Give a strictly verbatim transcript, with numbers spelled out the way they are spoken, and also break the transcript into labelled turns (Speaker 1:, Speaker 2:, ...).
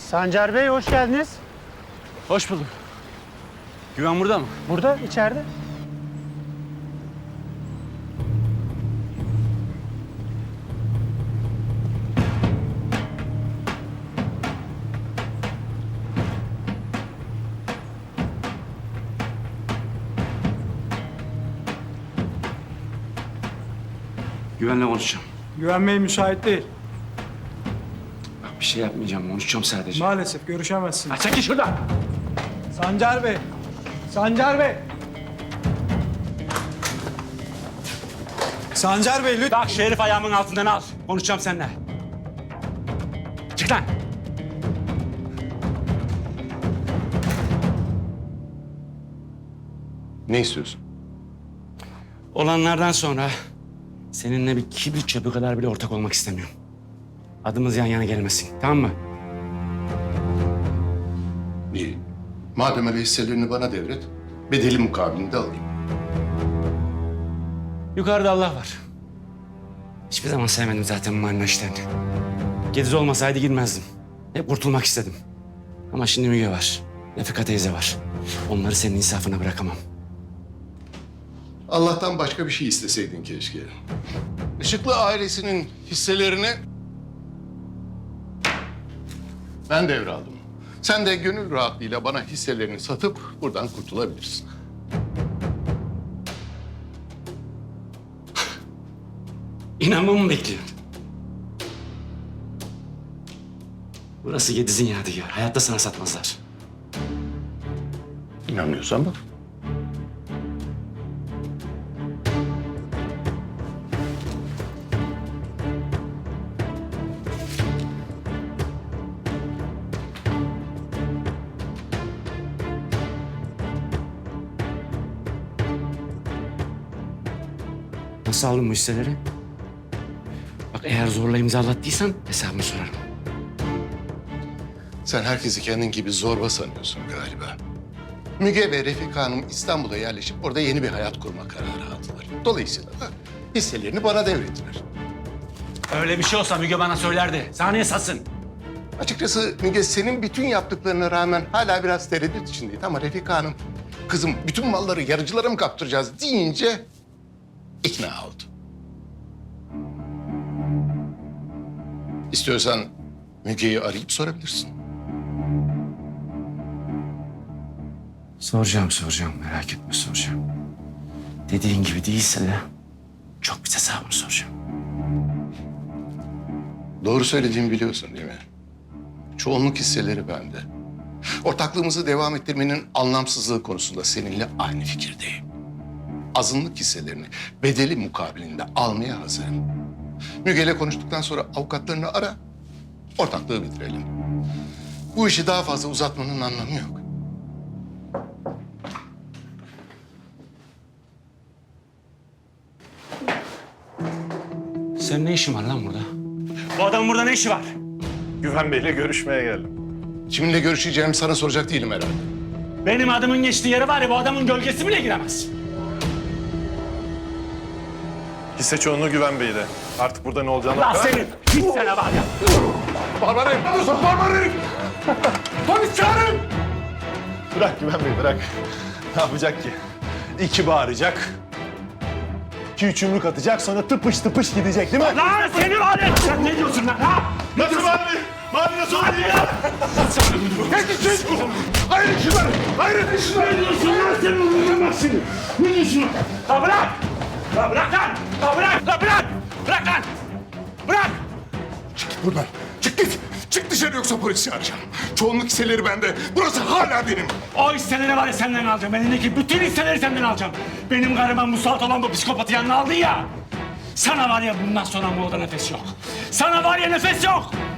Speaker 1: Sancar Bey hoş geldiniz.
Speaker 2: Hoş bulduk. Güven burada mı?
Speaker 1: Burada, içeride.
Speaker 2: Güvenle konuşacağım.
Speaker 3: Güven Bey müsait değil.
Speaker 2: Bak bir şey yapmayacağım, konuşacağım sadece.
Speaker 3: Maalesef görüşemezsin.
Speaker 2: Ha, çekil şuradan.
Speaker 3: Sancar Bey. Sancar Bey. Sancar Bey lütfen.
Speaker 2: Bak şu herif ayağımın altından al. Konuşacağım seninle. Çık lan.
Speaker 4: Ne istiyorsun?
Speaker 2: Olanlardan sonra seninle bir kibrit çöpü kadar bile ortak olmak istemiyorum. Adımız yan yana gelmesin, tamam mı?
Speaker 4: İyi. Madem öyle hisselerini bana devret, bedeli mukabilinde alayım.
Speaker 2: Yukarıda Allah var. Hiçbir zaman sevmedim zaten bu marina işlerini. Gediz olmasaydı girmezdim. Hep kurtulmak istedim. Ama şimdi Müge var, Refika teyze var. Onları senin insafına bırakamam.
Speaker 4: Allah'tan başka bir şey isteseydin keşke. Işıklı ailesinin hisselerini ben devraldım. Sen de gönül rahatlığıyla bana hisselerini satıp buradan kurtulabilirsin.
Speaker 2: İnanmamı mı bekliyorsun? Burası Gediz'in yadigarı. Hayatta sana satmazlar.
Speaker 4: İnanmıyorsan bak.
Speaker 2: Nasıl aldın bu hisseleri? Bak eğer zorla imzalattıysan hesabını sorarım.
Speaker 4: Sen herkesi kendin gibi zorba sanıyorsun galiba. Müge ve Refika Hanım İstanbul'a yerleşip orada yeni bir hayat kurma kararı aldılar. Dolayısıyla da hisselerini bana devrettiler.
Speaker 2: Öyle bir şey olsa Müge bana söylerdi. Sana niye satsın?
Speaker 4: Açıkçası Müge senin bütün yaptıklarına rağmen hala biraz tereddüt içindeydi ama Refika Hanım kızım bütün malları yarıcılara mı kaptıracağız deyince ikna oldu. İstiyorsan Müge'yi arayıp sorabilirsin.
Speaker 2: Soracağım, soracağım. Merak etme soracağım. Dediğin gibi değilse de çok bir hesabını soracağım.
Speaker 4: Doğru söylediğimi biliyorsun değil mi? Çoğunluk hisseleri bende. Ortaklığımızı devam ettirmenin anlamsızlığı konusunda seninle aynı fikirdeyim. Azınlık hisselerini bedeli mukabilinde almaya hazırım. Müge'yle konuştuktan sonra avukatlarını ara, ortaklığı bitirelim. Bu işi daha fazla uzatmanın anlamı yok.
Speaker 2: Senin ne işin var lan burada? Bu adamın burada ne işi var?
Speaker 5: Güven Bey'le görüşmeye geldim.
Speaker 4: Kiminle görüşeceğimi sana soracak değilim herhalde.
Speaker 2: Benim adımın geçtiği yere var ya bu adamın gölgesi bile giremez.
Speaker 5: Hisse çoğunluğu Güven Bey'de. Artık burada ne olacağını...
Speaker 2: Lan senin hissene var ya.
Speaker 4: Barbar herif! Barbar herif! Polis çağırın!
Speaker 5: Bırak Güven Bey, bırak. Ne yapacak ki? İki bağıracak. İki üç yumruk atacak, sonra tıpış tıpış gidecek değil mi?
Speaker 2: Lan seni var ya. Sen ne diyorsun lan ha?
Speaker 5: Nasıl mavi? Mavi nasıl oluyor ya?
Speaker 4: Hayır şunları! Hayır şunları!
Speaker 2: Ne diyorsun lan sen öldüreceğim bak seni. Ne diyorsun? La bırak! La bırak lan! La bırak! La bırak! Bırak lan! Bırak!
Speaker 4: Çık buradan. Çık git. Çık dışarı yoksa polisi çağıracağım. Çoğunluk hisseleri bende. Burası hala benim.
Speaker 2: O hisseleri var ya senden alacağım. Elindeki bütün hisseleri senden alacağım. Benim karıma musallat olan bu psikopatı yanına aldın ya. Sana var ya bundan sonra bu oda nefes yok. Sana var ya nefes yok.